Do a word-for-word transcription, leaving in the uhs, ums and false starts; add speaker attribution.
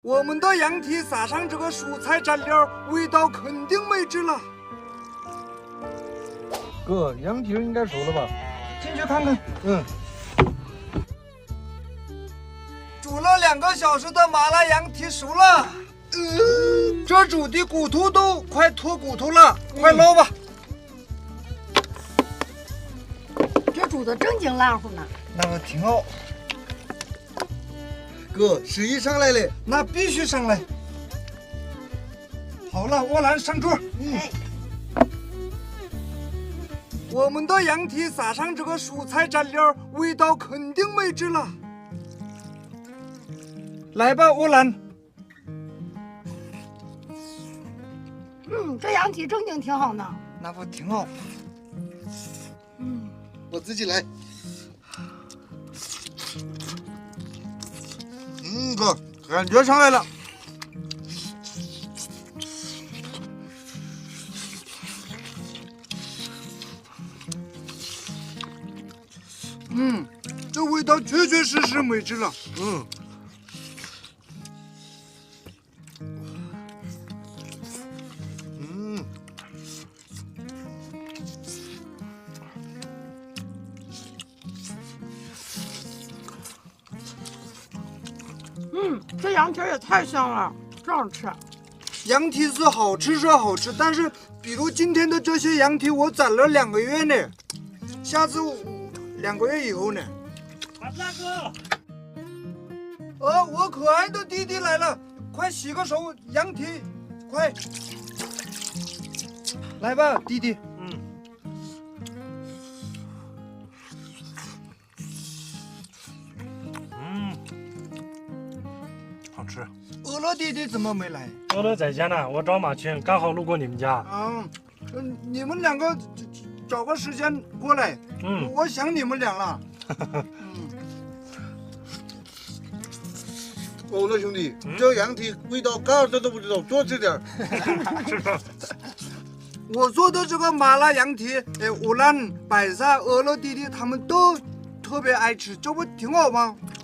Speaker 1: 我们的羊蹄撒上这个蔬菜蘸料，味道肯定美极了。
Speaker 2: 哥，羊蹄应该熟了吧？
Speaker 1: 进去看看。
Speaker 2: 嗯。
Speaker 1: 煮了两个小时的麻辣羊蹄熟了。呃，这煮的骨头都快脱骨头了，嗯、快捞吧。
Speaker 3: 这煮的正经烂乎呢。
Speaker 1: 那个挺好。
Speaker 2: 哥，食欲上来了，
Speaker 1: 那必须上来。好了，沃兰上桌。
Speaker 3: 嗯。哎
Speaker 1: 我们的羊蹄撒上这个蔬菜蘸料，味道肯定美极了。来吧，沃兰。
Speaker 3: 嗯，这羊蹄正经挺好呢。
Speaker 1: 那不挺好？
Speaker 3: 嗯，
Speaker 2: 我自己来。嗯，哥，感觉上来了。
Speaker 1: 嗯，这味道确确实实美极了。
Speaker 2: 嗯。嗯。
Speaker 3: 嗯，这羊蹄也太香了，真好吃。
Speaker 1: 羊蹄是好吃是好吃，但是比如今天的这些羊蹄，我攒了两个月呢。下次我两个月以后呢？
Speaker 4: 大哥，
Speaker 1: 呃，我可爱的弟弟来了，快洗个手，羊蹄，快，来吧，弟弟。
Speaker 4: 嗯。嗯，好吃。
Speaker 1: 饿了弟弟怎么没来？
Speaker 4: 饿了在家呢，我找马群，刚好路过你们家。
Speaker 1: 啊，嗯，你们两个找个时间过来。
Speaker 4: 嗯，
Speaker 1: 我想你们俩了。嗯。
Speaker 2: 欧乐兄弟，嗯、这羊蹄味道嘎子都不知道，多吃点。
Speaker 4: 是的。
Speaker 1: 我做的这个麻辣羊蹄，哎，乌兰、白菜、俄乐弟弟他们都特别爱吃，这不挺好吗？